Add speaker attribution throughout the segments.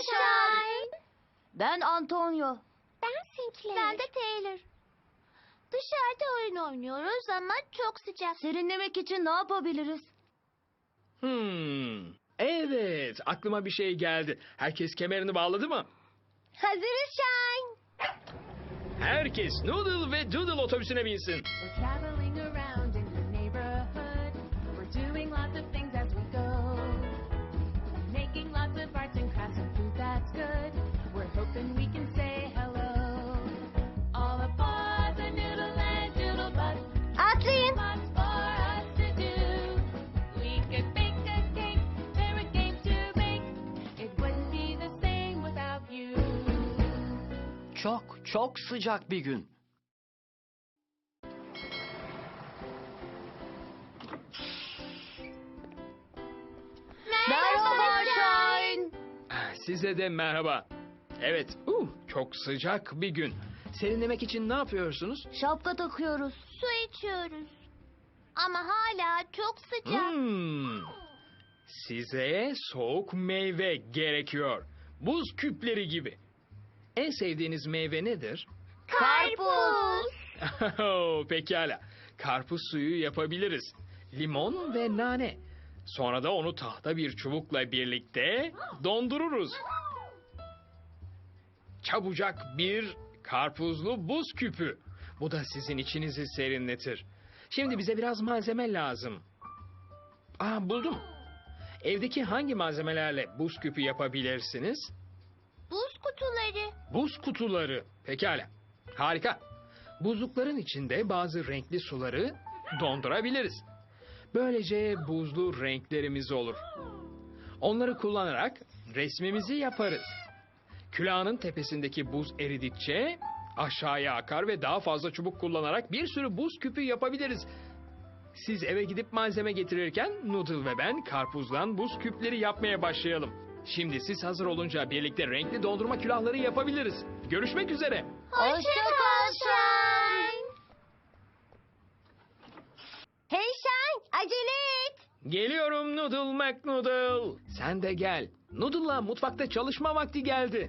Speaker 1: Shine.
Speaker 2: Ben Antonio.
Speaker 1: Ben Sinclair. Ben de Taylor. Dışarıda oyun oynuyoruz ama çok sıcak.
Speaker 2: Serinlemek için ne yapabiliriz?
Speaker 3: Evet, aklıma bir şey geldi. Herkes kemerini bağladı mı?
Speaker 1: Hazırız Shine.
Speaker 3: Herkes Noodle ve Doodle otobüsüne binsin.
Speaker 4: We're traveling around in the neighborhood. We're doing lots of things as we go. Making lots of arts and crafts and food that's good. We're hoping we can say hello. All aboard the Noodle and Doodle bus.
Speaker 1: Atlayın.
Speaker 4: Lots for us to do. We could bake a cake, share a game to make. It wouldn't be the same without you.
Speaker 5: Çok sıcak bir gün.
Speaker 2: Merhaba Shine.
Speaker 3: Size de merhaba. Evet, çok sıcak bir gün. Serinlemek için ne yapıyorsunuz?
Speaker 2: Şapka takıyoruz.
Speaker 1: Su içiyoruz. Ama hala çok sıcak.
Speaker 3: Size soğuk meyve gerekiyor. Buz küpleri gibi. En sevdiğiniz meyve nedir?
Speaker 1: Karpuz.
Speaker 3: Pekala. Karpuz suyu yapabiliriz. Limon ve nane. Sonra da onu tahta bir çubukla birlikte dondururuz. Çabucak bir karpuzlu buz küpü. Bu da sizin içinizi serinletir. Şimdi bize biraz malzeme lazım. Buldum. Evdeki hangi malzemelerle buz küpü yapabilirsiniz?
Speaker 1: Buz kutuları.
Speaker 3: Buz kutuları. Pekala. Harika. Buzlukların içinde bazı renkli suları dondurabiliriz. Böylece buzlu renklerimiz olur. Onları kullanarak resmimizi yaparız. Külahın tepesindeki buz eridikçe aşağıya akar ve daha fazla çubuk kullanarak bir sürü buz küpü yapabiliriz. Siz eve gidip malzeme getirirken Noodle ve ben karpuzdan buz küpleri yapmaya başlayalım. Şimdi siz hazır olunca birlikte renkli dondurma külahları yapabiliriz. Görüşmek üzere.
Speaker 1: Hoşça kal Shine. Hey Shine, acele et.
Speaker 3: Geliyorum Noodle McNoodle. Sen de gel. Noodle'la mutfakta çalışma vakti geldi.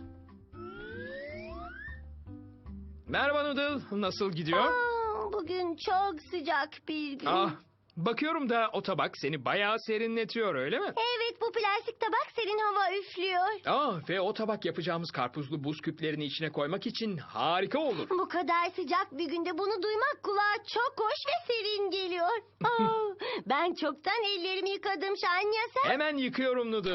Speaker 3: Merhaba Noodle. Nasıl gidiyor?
Speaker 1: Bugün çok sıcak bir gün.
Speaker 3: Bakıyorum da o tabak seni bayağı serinletiyor öyle mi?
Speaker 1: Evet, bu plastik tabak serin hava üflüyor.
Speaker 3: Ve o tabak yapacağımız karpuzlu buz küplerini içine koymak için harika olur.
Speaker 1: Bu kadar sıcak bir günde bunu duymak kulağa çok hoş ve serin geliyor. Ben çoktan ellerimi yıkadım Shine, ya sen?
Speaker 3: Hemen yıkıyorum Noodle.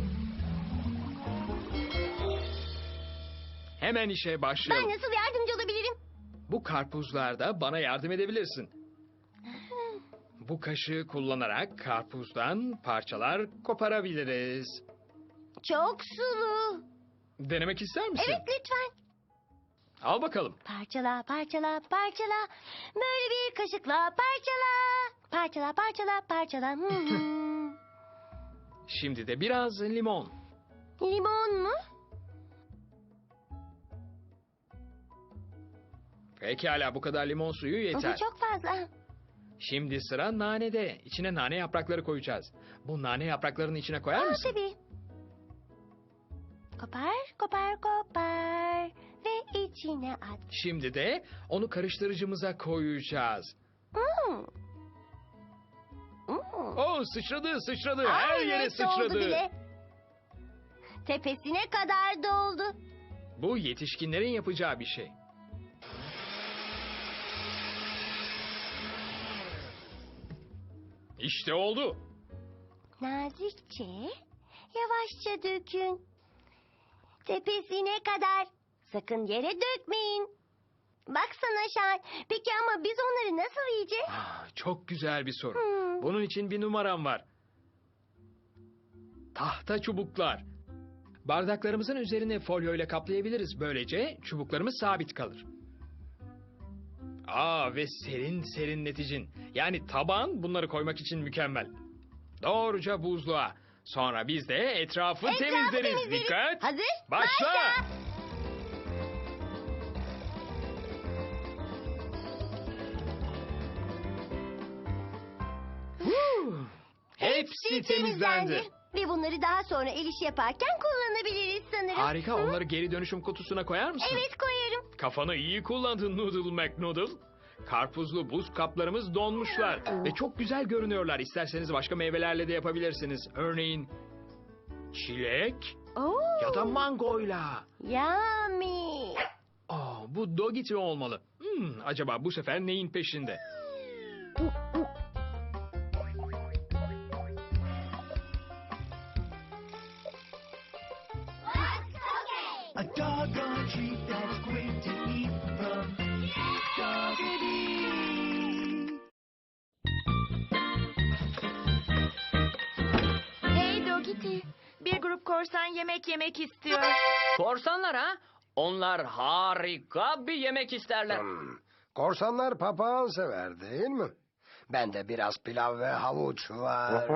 Speaker 3: Hemen işe
Speaker 1: Ben
Speaker 3: başlayalım.
Speaker 1: nasıl yardımcı olabilirim?
Speaker 3: Bu karpuzlarda bana yardım edebilirsin. Bu kaşığı kullanarak karpuzdan parçalar koparabiliriz.
Speaker 1: Çok sulu.
Speaker 3: Denemek ister misin?
Speaker 1: Evet, lütfen.
Speaker 3: Al bakalım.
Speaker 1: Parçala, parçala, parçala. Böyle bir kaşıkla parçala. Parçala, parçala, parçala.
Speaker 3: Şimdi de biraz limon.
Speaker 1: Limon mu?
Speaker 3: Pekala, bu kadar limon suyu
Speaker 1: Bu
Speaker 3: yeter.
Speaker 1: çok fazla.
Speaker 3: Şimdi sıra nanede. İçine nane yaprakları koyacağız. Bu nane yapraklarını içine koyar mısın?
Speaker 1: Tabii. Kopar, kopar, kopar. Ve içine at.
Speaker 3: Şimdi de onu karıştırıcımıza koyacağız.
Speaker 1: Hmm.
Speaker 3: Sıçradı. Her yere
Speaker 1: Evet,
Speaker 3: sıçradı.
Speaker 1: doldu bile. Tepesine kadar doldu.
Speaker 3: Bu yetişkinlerin yapacağı bir şey. İşte oldu.
Speaker 1: Nazikçe, yavaşça dökün. Tepesine kadar. Sakın yere dökmeyin. Baksana Shine. Peki ama biz onları nasıl yiyeceğiz?
Speaker 3: Çok güzel bir soru. Bunun için bir numaram var. Tahta çubuklar. Bardaklarımızın üzerine folyo ile kaplayabiliriz. Böylece çubuklarımız sabit kalır. Ve serinleticin. Yani tabağın bunları koymak için mükemmel. Doğruca buzluğa. Sonra biz de etrafı temizleriz. Dikkat.
Speaker 1: Hazır.
Speaker 3: Başla. Hepsi temizlendi.
Speaker 1: Ve bunları daha sonra el işi yaparken kullanabiliriz sanırım.
Speaker 3: Harika, onları geri dönüşüm kutusuna koyar mısın?
Speaker 1: Evet, koyarım.
Speaker 3: Kafanı iyi kullandın Noodle McNoodle. Karpuzlu buz kaplarımız donmuşlar ve çok güzel görünüyorlar. İsterseniz başka meyvelerle de yapabilirsiniz. Örneğin çilek
Speaker 1: Oo,
Speaker 3: ya da mangoyla.
Speaker 1: yummy.
Speaker 3: Bu Dogiti olmalı. Acaba bu sefer neyin peşinde?
Speaker 5: A doggone treat that's great to eat from Doggity.
Speaker 4: Hey Dogiti, bir grup korsan yemek yemek istiyor.
Speaker 6: Korsanlar ha? Onlar harika bir yemek isterler.
Speaker 7: Korsanlar papağan sever değil mi? Ben de biraz pilav ve havuç var.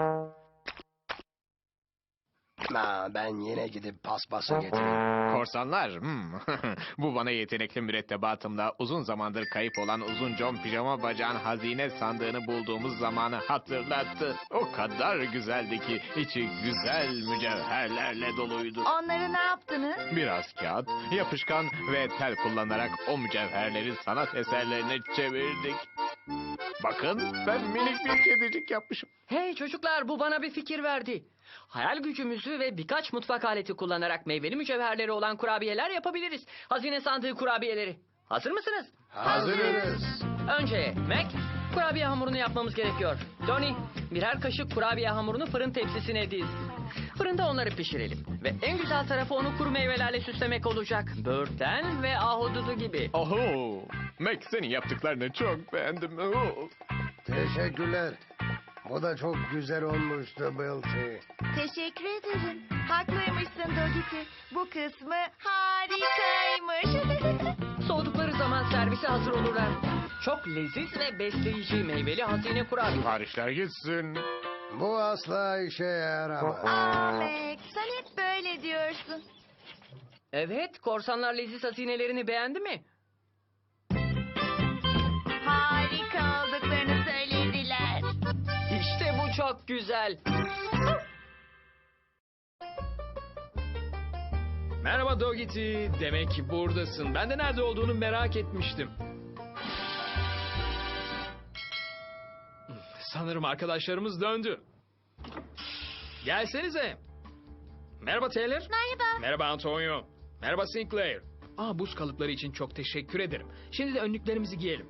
Speaker 7: Ben yine gidip paspası getireyim.
Speaker 8: Korsanlar, bu bana yetenekli mürettebatımla uzun zamandır kayıp olan uzun John pijama bacağın hazine sandığını bulduğumuz zamanı hatırlattı. O kadar güzeldi ki içi güzel mücevherlerle doluydu.
Speaker 4: Onları ne yaptınız?
Speaker 8: Biraz kağıt, yapışkan ve tel kullanarak o mücevherleri sanat eserlerine çevirdik. Bakın, ben minik bir kedicik yapmışım.
Speaker 6: Hey çocuklar, bu bana bir fikir verdi. Hayal gücümüzü ve birkaç mutfak aleti kullanarak meyveli mücevherleri olan kurabiyeler yapabiliriz. Hazine sandığı kurabiyeleri. Hazır mısınız?
Speaker 7: Hazırız.
Speaker 6: Önce Mac, kurabiye hamurunu yapmamız gerekiyor. Tony, birer kaşık kurabiye hamurunu fırın tepsisine diz. Fırında onları pişirelim. Ve en güzel tarafı onu kuru meyvelerle süslemek olacak. Böğürtlen ve ahududu gibi.
Speaker 8: Oho, Mac senin yaptıklarını çok beğendim. Oh.
Speaker 7: Teşekkürler. Bu da çok güzel olmuştu Bilty.
Speaker 4: Teşekkür ederim. Haklıymışsın Dogiti. Bu kısmı harikaymış.
Speaker 6: Soğudukları zaman servise hazır olurlar. Çok leziz ve besleyici meyveli hazine kurabiye.
Speaker 8: Siparişler gitsin.
Speaker 7: Bu asla işe yaramaz.
Speaker 4: Mac, sen hep böyle diyorsun.
Speaker 6: Evet, korsanlar leziz hazinelerini beğendi mi?
Speaker 4: Harika olduklarını söylediler.
Speaker 6: İşte bu çok güzel.
Speaker 3: Merhaba Dogiti. Demek buradasın. Ben de nerede olduğunu merak etmiştim. Sanırım arkadaşlarımız döndü. Gelsenize. Merhaba Taylor.
Speaker 1: Merhaba.
Speaker 3: Merhaba Antonio. Merhaba Sinclair. Buz kalıpları için çok teşekkür ederim. Şimdi de önlüklerimizi giyelim.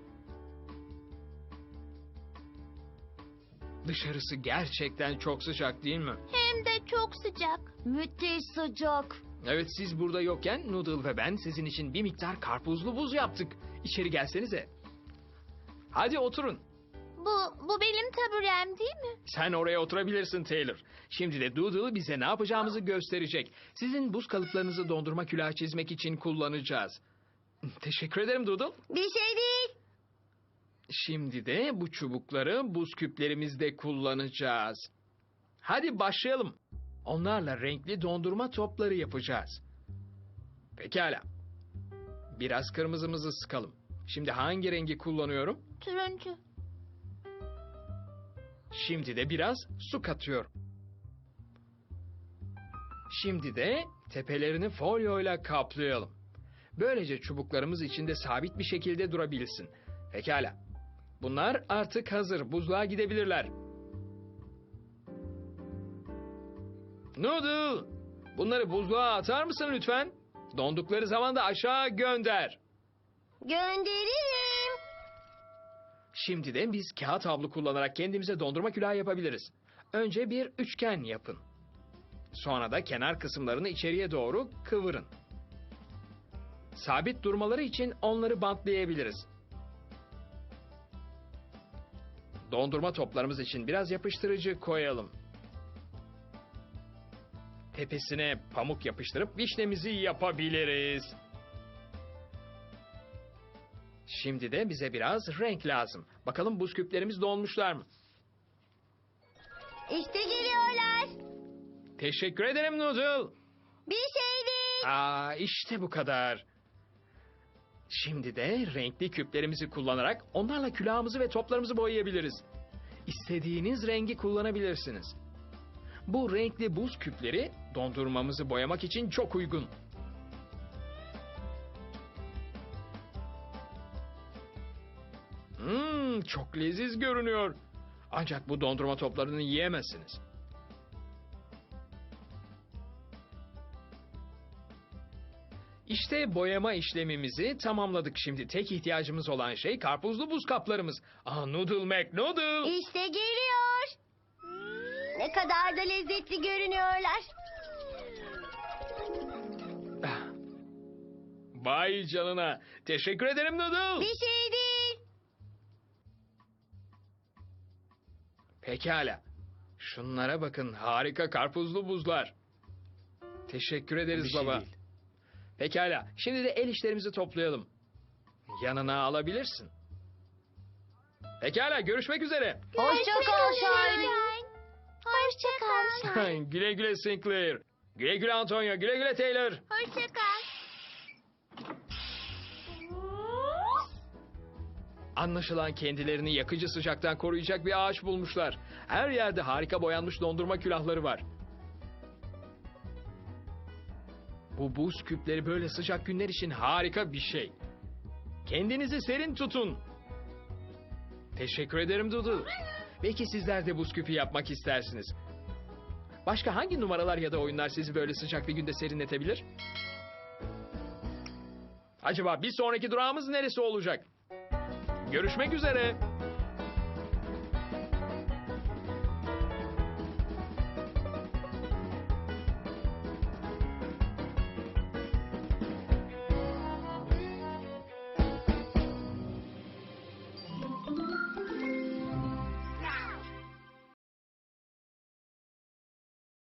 Speaker 3: Dışarısı gerçekten çok sıcak değil mi?
Speaker 1: Hem de çok sıcak.
Speaker 2: Müthiş sıcak.
Speaker 3: Evet, siz burada yokken Noodle ve ben sizin için bir miktar karpuzlu buz yaptık. İçeri gelsenize. Hadi oturun.
Speaker 1: Bu benim taburem değil mi?
Speaker 3: Sen oraya oturabilirsin Taylor. Şimdi de Doodle bize ne yapacağımızı gösterecek. Sizin buz kalıplarınızı dondurma külahı çizmek için kullanacağız. Teşekkür ederim Doodle.
Speaker 1: Bir şey değil.
Speaker 3: Şimdi de bu çubukları buz küplerimizde kullanacağız. Hadi başlayalım. Onlarla renkli dondurma topları yapacağız. Pekala. Biraz kırmızımızı sıkalım. Şimdi hangi rengi kullanıyorum?
Speaker 1: Turuncu.
Speaker 3: Şimdi de biraz su katıyorum. Şimdi de tepelerini folyoyla kaplayalım. Böylece çubuklarımız içinde sabit bir şekilde durabilsin. Pekala. Bunlar artık hazır. Buzluğa gidebilirler. Noodle! Bunları buzluğa atar mısın lütfen? Dondukları zaman da aşağı gönder.
Speaker 1: Gönderirim.
Speaker 3: Şimdi de biz kağıt havlu kullanarak kendimize dondurma külahı yapabiliriz. Önce bir üçgen yapın. Sonra da kenar kısımlarını içeriye doğru kıvırın. Sabit durmaları için onları bantlayabiliriz. Dondurma toplarımız için biraz yapıştırıcı koyalım. Tepesine pamuk yapıştırıp vişnemizi yapabiliriz. Şimdi de bize biraz renk lazım. Bakalım buz küplerimiz donmuşlar mı?
Speaker 1: İşte geliyorlar.
Speaker 3: Teşekkür ederim Noodle.
Speaker 1: Bir şey değil.
Speaker 3: İşte bu kadar. Şimdi de renkli küplerimizi kullanarak onlarla külahımızı ve toplarımızı boyayabiliriz. İstediğiniz rengi kullanabilirsiniz. Bu renkli buz küpleri dondurmamızı boyamak için çok uygun. Çok leziz görünüyor. Ancak bu dondurma toplarını yiyemezsiniz. İşte boyama işlemimizi tamamladık. Şimdi tek ihtiyacımız olan şey karpuzlu buz kaplarımız. Noodle McNoodle.
Speaker 1: İşte geliyor. Ne kadar da lezzetli görünüyorlar.
Speaker 3: Vay canına. Teşekkür ederim Noodle.
Speaker 1: Bir şey değil.
Speaker 3: Pekala. Şunlara bakın. Harika karpuzlu buzlar. Teşekkür ederiz
Speaker 8: Bir şey
Speaker 3: baba.
Speaker 8: değil.
Speaker 3: Pekala. Şimdi de el işlerimizi toplayalım. Yanına alabilirsin. Pekala. Görüşmek üzere.
Speaker 2: Hoşça kal Shiny.
Speaker 1: Hoşça kal.
Speaker 3: Güle güle Sinclair. Güle güle Antonio. Güle güle Taylor.
Speaker 1: Hoşça kal.
Speaker 3: Anlaşılan kendilerini yakıcı sıcaktan koruyacak bir ağaç bulmuşlar. Her yerde harika boyanmış dondurma külahları var. Bu buz küpleri böyle sıcak günler için harika bir şey. Kendinizi serin tutun. Teşekkür ederim Dudu. Belki sizler de buz küpü yapmak istersiniz. Başka hangi numaralar ya da oyunlar sizi böyle sıcak bir günde serinletebilir? Acaba bir sonraki durağımız neresi olacak? Görüşmek üzere.